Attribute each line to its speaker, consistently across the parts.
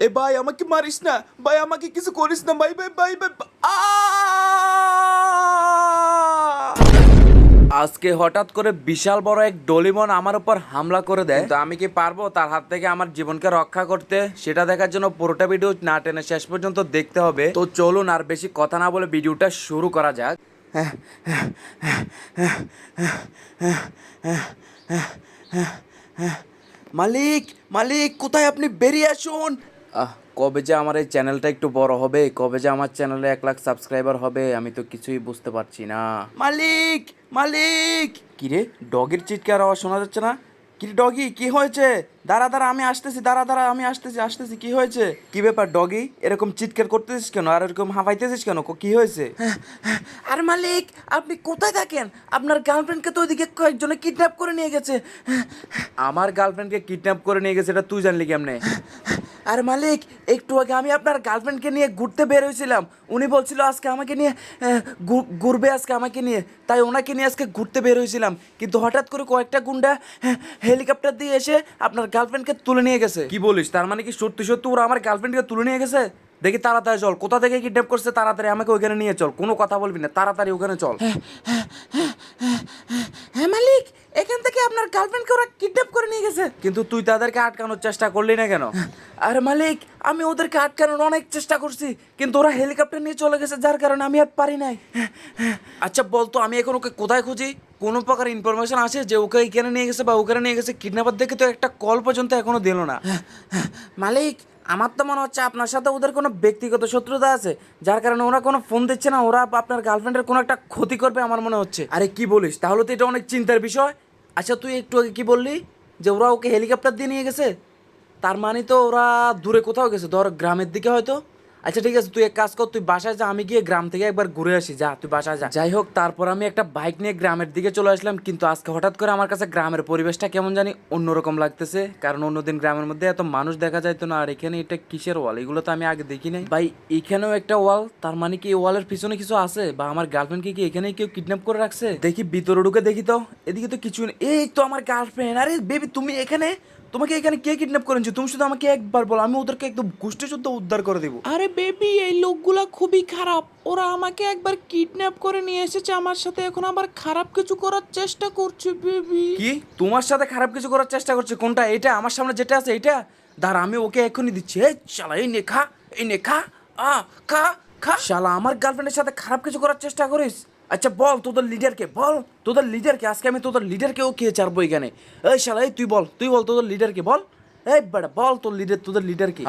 Speaker 1: এ ভাই আমাকে মারিস না ভাই, আমাকে কিছু করিস না ভাই ভাই ভাই ভাই আ! আজকে হঠাৎ করে বিশাল বড় এক ডোরিমন আমার উপর হামলা করে দেয়, তো আমি কি পারবো তার হাত থেকে আমার জীবনকে রক্ষা করতে? সেটা দেখার জন্য পুরোটা ভিডিও না টেনে শেষ পর্যন্ত দেখতে হবে। তো চলুন আর বেশি কথা না বলে ভিডিওটা শুরু করা যাক। মালিক মালিক কোথায় আপনি? বেরিয়ে আসুন। কবে যে আমার এই চ্যানেলটা একটু বড় হবে, কবে যে আমার চ্যানেলে 1 লাখ সাবস্ক্রাইবার হবে, আমি তো কিছুই বুঝতে পারছি না। মালিক মালিক! কিরে, ডগের চিৎকার আওয়াজ শোনা যাচ্ছে না? কিরে ডগি, কি হয়েছে? দাঁড়া দাঁড়া, আমি আসতেছি, দাঁড়া দাঁড়া, আমি আসতেছি, কি হয়েছে? কি ব্যাপার ডগি, এরকম চিৎকার করতেছিস কেন আর এরকম হাঁপাইতেছিস কেন? কি হয়েছে? আর মালিক, আপনি কোথায় থাকেন? আপনার গার্লফ্রেন্ডকে তো ওইদিকে কয়েকজনে কিডন্যাপ করে নিয়ে গেছে। আমার গার্লফ্রেন্ডকে কিডন্যাপ করে নিয়ে গেছে, এটা তুই জানলি কেমনে? আর মালিক, একটু আগে আমি আপনার গার্লফ্রেন্ডকে নিয়ে ঘুরতে বের হয়েছিলাম। উনি বলছিল আজকে আমাকে নিয়ে ঘুরবে, আজকে আমাকে নিয়ে, তাই ওনাকে নিয়ে আজকে ঘুরতে বের হয়েছিলাম। কিন্তু হঠাৎ করে কয়েকটা গুন্ডা হেলিকপ্টার দিয়ে এসে আপনার গার্লফ্রেন্ডকে তুলে নিয়ে গেছে। কি বলিস? তার মানে কি সত্যি সত্যি ওরা আমার গার্লফ্রেন্ডকে তুলে নিয়ে গেছে? দেখি তাড়াতাড়ি চল, কোথা থেকে কিডন্যাপ করছে তাড়াতাড়ি আমাকে ওইখানে নিয়ে চল, কোনো কথা বলবি না, তাড়াতাড়ি ওখানে চল। হ্যাঁ মালিক, এখান থেকে আপনার গার্লফ্রেন্ডকে ওরা কিডন্যাপ করে নিয়ে গেছে। কিন্তু তুই তাদেরকে আটকানোর চেষ্টা করলি না কেন? আরে মালিক, আমি ওদেরকে আটকানোর অনেক চেষ্টা করছি, কিন্তু ওরা হেলিকপ্টার নিয়ে চলে গেছে, যার কারণে আমি আর পারি নাই। আচ্ছা বলতো, আমি এখন ওকে কোথায় খুঁজি? কোনো প্রকার ইনফরমেশন আছে যে ওকে এখানে নিয়ে গেছে বা ওখানে নিয়ে গেছে? কিডন্যাপার দেখে তো একটা কল পর্যন্ত এখনো দিল না। মালিক, আমার তো মনে হচ্ছে আপনার সাথে ওদের কোনো ব্যক্তিগত শত্রুতা আছে, যার কারণে ওরা কোনো ফোন দিচ্ছে না, ওরা আপনার গার্লফ্রেন্ডের কোনো একটা ক্ষতি করবে আমার মনে হচ্ছে। আরে কি বলিস? তাহলে তো এটা অনেক চিন্তার বিষয়। আচ্ছা তুই একটু আগে কি বললি যে ওরা ওকে হেলিকপ্টার দিয়ে নিয়ে গেছে? তার মানে তো ওরা দূরে কোথাও গেছে, ধর গ্রামের দিকে হয়তো। আচ্ছা ঠিক আছে, তুই এক কাজ কর, তুই বাসায় যা, আমি গিয়ে গ্রাম থেকে একবার ঘুরে আসি, যা তুই বাসায় যা। যাই হোক, তারপর আমি একটা বাইক নিয়ে গ্রামের দিকে চলে আসলাম, কিন্তু আজকে হঠাৎ করে আমার কাছে গ্রামের পরিবেশটা কেমন জানি অন্যরকম লাগতেছে, কারণ অন্যদিন গ্রামের মধ্যে এত মানুষ দেখা যাইতো না। আর এখানে এটা কিসের ওয়াল? এগুলো তো আমি আগে দেখি নাই ভাই। এখানেও একটা ওয়াল, তার মানে কি এই ওয়ালের পিছনে কিছু আছে, বা আমার গার্লফ্রেন্ডকে কি এখানেই কেউ কিডন্যাপ করে রাখছে? দেখি ভিতরে ঢুকে দেখি তো, এদিকে তো কিছু নেই। এই তো আমার গার্লফ্রেন্ড। আরে বেবি, তুমি এখানে? তোমাকে এখানে কে কিডন্যাপ করেছে? তুমি শুধু আমাকে একবার বলো, আমি ওদেরকে একদম গোষ্ঠী শুদ্ধ উদ্ধার করে দেবো।
Speaker 2: আরে বেবি, এই লোকগুলা খুবই খারাপ। ওরা আমাকে একবার কিডন্যাপ করে নিয়ে এসেছে আমার সাথে, এখন আবার খারাপ কিছু করার চেষ্টা করছে বেবি।
Speaker 1: কি তোমার সাথে খারাপ কিছু করার চেষ্টা করছে? কোনটা? এটা আমার সামনে যেটা আছে এটা? দাঁড়া, আমি ওকে এখনই দিচ্ছি। এই শালা, এই নে খা, এই নে খা, খা খা। শালা, আমার গার্লফ্রেন্ডের সাথে খারাপ কিছু করার চেষ্টা করিস? আচ্ছা বল তোদের লিডারকে, বল তোদের লিডারকে, আজকে আমি তোদের লিডারকেও খেয়ে ছাড়বো এখানে। এই শালা, এই তুই বল তোদের লিডারকে বল। এই বেটা বল, তোদের লিডার কি?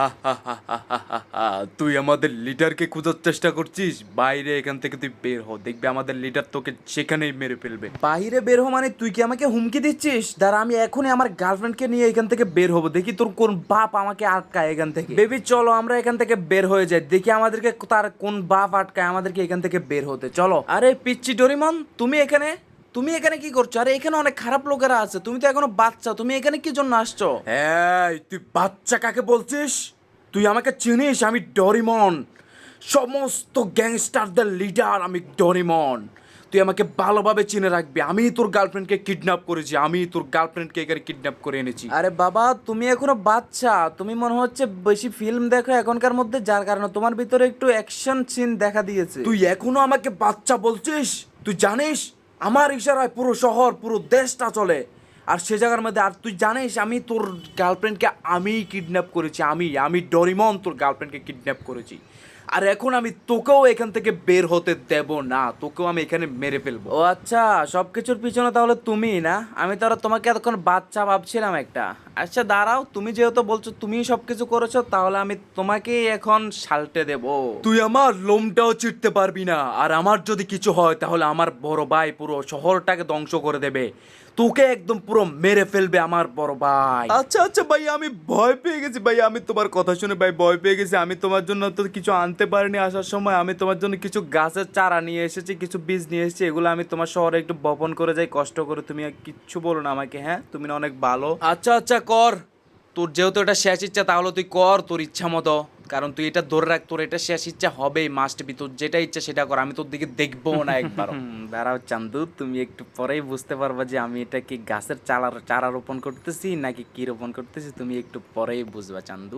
Speaker 1: তুই আমাদের লিডারকে খোঁজার চেষ্টা করছিস? বাইরে এখান থেকে তুই বের হ, দেখবি আমাদের লিডার তোকে সেখানেই মেরে ফেলবে। বাইরে বের হ মানে তুই কি আমাকে হুমকি দিচ্ছিস? দাঁড়া, আমি এখনই আমার গার্লফ্রেন্ডকে নিয়ে এখান থেকে বের হবো, দেখি তোর কোন বাপ আমাকে আটকায় এখান থেকে। বেবি চলো আমরা এখান থেকে বের হয়ে যাই, দেখি আমাদেরকে তার কোন বাপ আটকায় আমাদেরকে এখান থেকে বের হতে। চলো। আরে পিচ্চি ডোরিমন, তুমি এখানে কি করছো? আরে এখানে অনেক খারাপ লোকেরা আছে, তুমি তো এখনো বাচ্চা, তুমি এখানে কি জন্য আসছো? এই তুই বাচ্চা কাকে বলছিস? তুই আমাকে চিনিস? আমি ডোরিমন, সমস্ত গ্যাংস্টারদের লিডার আমি ডোরিমন। তুই আমাকে ভালোভাবে চিনে রাখবি, আমি তোর গার্লফ্রেন্ডকে কিডন্যাপ করেছি, আমি তোর গার্লফ্রেন্ডকে এখানে কিডন্যাপ করে এনেছি। আরে বাবা, তুমি এখনো বাচ্চা, তুমি মনে হচ্ছে বেশি ফিল্ম দেখো এখনকার মধ্যে, যার কারণে তোমার ভিতরে একটু অ্যাকশন সিন দেখা দিয়েছে। তুই এখনো আমাকে বাচ্চা বলছিস? তুই জানিস আমার ইশারায় পুরো শহর পুরো দেশটা চলে, আর সে জায়গার মধ্যে আর তুই জানিস আমি তোর গার্লফ্রেন্ডকে আমি কিডন্যাপ করেছি, আমি ডোরিমন তোর গার্লফ্রেন্ডকে কিডন্যাপ করেছি। আর এখন আমি তোকেও এখান থেকে বের হতে দেব না, তোকেও আমি এখানে মেরে ফেলবো। ও আচ্ছা, সবকিছুর পিছনে তাহলে তুমি না? আমি তো আর তোমাকে এতক্ষণ বাচ্চা ভাবছিলাম একটা। আচ্ছা দাঁড়াও, তুমি যেহেতু বলছো তুমি সবকিছু করেছো, তাহলে আমি তোমাকেই এখন সালটে দেব। তুই আমার লোমটাও চিটতে পারবি না, আর আমার যদি কিছু হয় তাহলে আমার বড় ভাই পুরো শহরটাকে ধ্বংস করে দেবে, তোকে একদম পুরো মেরে ফেলবে আমার বড় ভাই। আচ্ছা আচ্ছা ভাই, আমি ভয় পেয়ে গেছি ভাই, আমি তোমার কথা শুনে ভাই ভয় পেয়ে গেছি। আমি তোমার জন্য তো কিছু আনতে পারিনি আসার সময়, আমি তোমার জন্য কিছু গাছের চারা নিয়ে এসেছি, কিছু বীজ নিয়ে এসেছি, এগুলো আমি তোমার শহরে একটু বপন করে যাই কষ্ট করে। তুমি আর কিচ্ছু বলো না আমাকে, হ্যাঁ? তুমি না অনেক ভালো। আচ্ছা আচ্ছা কর, তোর যেহেতু এটা শেষ ইচ্ছা তাহলে তুই কর তোর ইচ্ছা মতো, কারণ তুই এটা ধরে রাখ, তোর এটা শেষ ইচ্ছা হবেই, মাস্ট বি। তোর যেটা ইচ্ছা সেটা কর, আমি তোর দিকে দেখবো না একবার। দাঁড়াও চান্দু, তুমি একটু পরেই বুঝতে পারবা যে আমি এটা কি গাছের চারা রোপণ করতেছি নাকি কি রোপণ করতেছি, তুমি একটু পরেই বুঝবা চান্দু।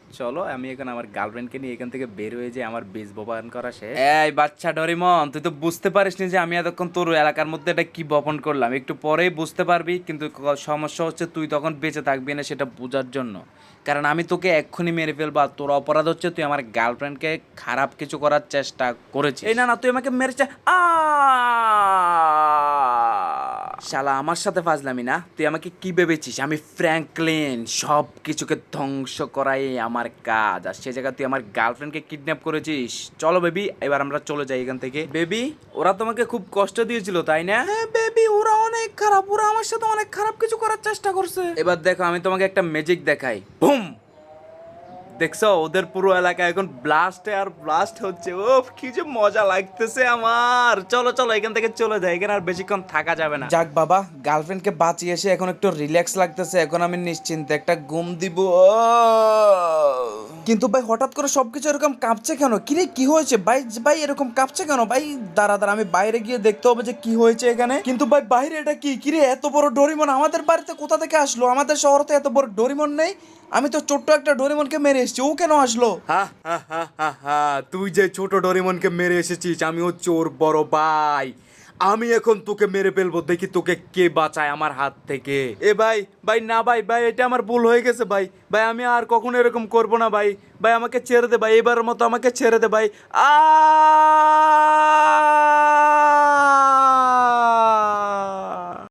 Speaker 1: চলো আমি এখন আমার গার্লফ্রেন্ডকে নিয়ে এখান থেকে বের হয়ে যাই, আমার বেশ বপন করা শেষ। এই বাচ্চা ডরিমন, তুই তো বুঝতে পারিসনি যে আমি এতক্ষণ তোর এলাকার মধ্যে এটা কি বপন করলাম, একটু পরেই বুঝতে পারবি, কিন্তু সমস্যা হচ্ছে তুই তখন বেঁচে থাকবি না সেটা বোঝার জন্য, কারণ আমি তোকে এক্ষুনি মেরে ফেলবো। আর তোর অপরাধ হচ্ছে তুই আমার গার্লফ্রেন্ডকে খারাপ কিছু করার চেষ্টা করেছিস। এই না না, তুই আমাকে মেরেছে। শালা আমার সাথে ফাজলামি না, তুই আমাকে কি ভেবেছিস আমি ফ্র্যাঙ্কলিন? সব কিছুকে ধ্বংস করাই আমার কাজ, আর সে জায়গায় তুই আমার গার্লফ্রেন্ডকে কিডন্যাপ করেছিস। চলো বেবি, এবার আমরা চলে যাই এখান থেকে। বেবি, ওরা তোমাকে খুব কষ্ট দিয়েছিল তাই না?
Speaker 2: হ্যাঁ বেবি, ওরা অনেক খারাপ, ওরা আমার সাথে অনেক খারাপ কিছু করার চেষ্টা করছে।
Speaker 1: এবার দেখো আমি তোমাকে একটা ম্যাজিক দেখাই। বুম! দেখছো ওদের পুরো এলাকা এখন ব্লাস্টে আর ব্লাস্ট হচ্ছে। ও কি যে মজা লাগতেছে আমার। চলো চলো এখান থেকে চলে যাই, এখানে আর বেশিক্ষণ থাকা যাবে না।
Speaker 2: যাক বাবা, গার্লফ্রেন্ডকে বাঁচিয়ে এসে এখন একটু রিল্যাক্স লাগতেছে, এখন আমি নিশ্চিন্তে একটা ঘুম দিব। কিন্তু ভাই হঠাৎ করে সবকিছু এরকম কাঁপছে কেন? কিরে কি হয়েছে ভাই? ভাই এরকম কাঁপছে কেন ভাই? দাঁড়া দাঁড়া, আমি বাইরে গিয়ে দেখতে হবে যে কি হয়েছে এখানে। কিন্তু ভাই বাইরে এটা কি? কিরে এত বড় ডোরিমন আমাদের বাড়িতে কোথা থেকে আসলো? আমাদের শহরে এত বড় ডোরিমন নেই। আমি তো ছোট্ট একটা ডোরিমনকে মেরে এসেছি, ও কেন আসলো?
Speaker 1: হা হা হা হা হা, তুই যে ছোট ডোরেমনকে মেরে এসেছিস, আমি হচ্ছে ওর বড় ভাই। আমি এখন তোকে মেরে ফেলবো, দেখি তোকে কে বাঁচায় আমার হাত থেকে। এ ভাই ভাই না ভাই, ভাই এটা আমার ভুল হয়ে গেছে ভাই। ভাই আমি আর কখনো এরকম করবো না ভাই। ভাই আমাকে ছেড়ে দে ভাই, এবারের মতো আমাকে ছেড়ে দে ভাই। আ